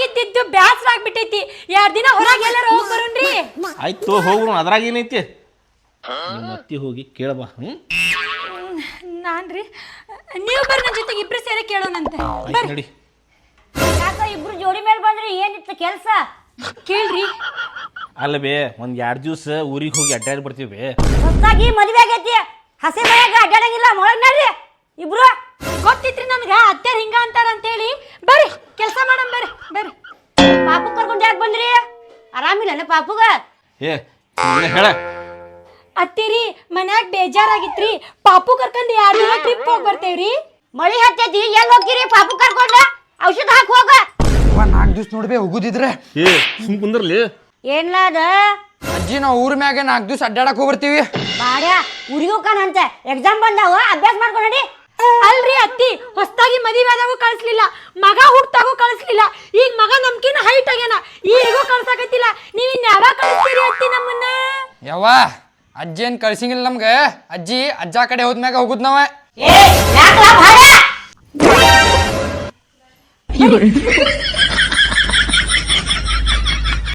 ಮನ್ಯಾಗಿದ್ದು ಬ್ಯಾಸರ ಆಗ್ಬಿಟ್ಟೈತಿ 2 ದಿನ ಹೊರಗೆ ಎಲ್ಲಾರ ಹೋಗಿ ಬರೋಣ್ರಿ. ಆಯ್ತು ಹೋಗ್ರು, ಅದ್ರಾಗ ಏನೈತಿ? ನಿಮ್ಮ ಅತ್ತಿ ಹೋಗಿ ಕೇಳಬಾ. ನಾನ್ರಿ ನೀವು ಬರ್ರಿ, ನನ್ನ ಜೊತೆಗೆ ಇಬ್ರು ಸೇರಿ ಕೇಳೋಣಂತೆ. ನಡಿ. ಯಾಕ ಇಬ್ರು ಜೋಡಿ ಮೇಲೆ ಬಂದ್ರಿ? ಏನಿತ್ತು ಕೆಲಸ? ಕೇಳ್ರಿ. ಅಲ್ಲ ಬೇ, ಒಂದ್ 2 ದಿವಸ ಊರಿಗೆ ಹೋಗಿ ಅಡ್ಡಾಡಿ ಬರ್ತೀವಿ. ಹೊಸದಾಗಿ ಮದುವೆ ಆಗೈತಿ, ಹಸಿ ಮನ್ಯಾಗ ಅಡ್ಡಾಡಂಗಿಲ್ಲ. ಮೊಳಗ್ ನಡ್ರಿ ಇಬ್ರು. ಗೊತ್ತಿತ್ರಿ ನನ್ಗ ಅತ್ಯಾರ ಹಿಂಗ ಅಂತಾರ ಅಂತೇಳಿ. ಬರ್ರಿ ಕೆಲಸ ಮಾಡಮ್, ಬರ್ರಿ ಬರ್ರಿ. ಪಾಪು ಕರ್ಕೊಂಡು ಯಾಕೆ ಬಂದ್ರಿ? ಆರಾಮಿಲ್ಲ ಪಾಪುಗ? ಹೇಳ. ಅತ್ತಿರಿ ಮನ್ಯಾಗ ಬೇಜಾರಾಗಿತ್ರಿ, ಪಾಪು ಕರ್ಕೊಂಡ್ 2 ದಿನ ಟ್ರಿಪ್ ಹೋಗಿ ಬರ್ತೇವ್ರಿ. ಮಳಿ ಹತ್ತೈತಿ, ಎಲ್ಲಿ ಹೋಗ್ತೀರಿ? ಪಾಪು ಕರ್ಕೊಂಡ ಔಷಧ ಹಾಕಿ ಹೋಗ. 4 ದಿವ್ಸ ನೋಡ್ಬೇ ಹೋಗುದಿದ್ರೆ. ಸುಮ್ ಕುಂದ್ರಲಿ. ಏನ್ಲ ಅದ ಅಜ್ಜಿ, ನಾವು ಊರ್ ಮ್ಯಾಗ 4 ದಿವ್ಸ ಅಡ್ಡಾಡಕ್ ಹೋಗ್ಬರ್ತೀವಿ. ಬಾಡ್ಯ ಊರಿಗೆ ಹೋಗ್ಕಾನಂತೆ. ಎಕ್ಸಾಮ್ ಬಂದಾವ, ಅಭ್ಯಾಸ ಮಾಡ್ಕೊಂಡಿ. ಅಲ್ರಿ ಅತ್ತಿ, ಹೊಸದಾಗಿ ಮದುವೆ ಆದಾಗೂ ಕಳಿಸ್ಲಿಲ್ಲ, ಮಗ ಹುಟ್ಟಾಗೂ ಕಳಿಸ್ಲಿಲ್ಲ, ಈಗ ಮಗ ನಮ್ಕಿನ ಹೈಟ್ ಆಗ್ಯಾನ, ಈಗೂ ಕಳ್ಸಾಕತ್ತಿಲ್ಲ. ನೀವ್ ಇನ್ ಯಾವಾಗ ಕಳಿಸ್ತೀರಿ ಅತ್ತಿ ನಮ್ಮನ್ನ? ಯವ್ವ, ಅಜ್ಜಿ ಏನ್ ಕಳ್ಸಿಂಗಿಲ್ಲ ನಮ್ಗ. ಅಜ್ಜಿ ಅಜ್ಜ ಕಡೆ ಹೋದ್ಮ್ಯಾಗ ಹೋಗುದ್ ನಾವ. ಏ ಯಾಕಲ ಭಾಡ?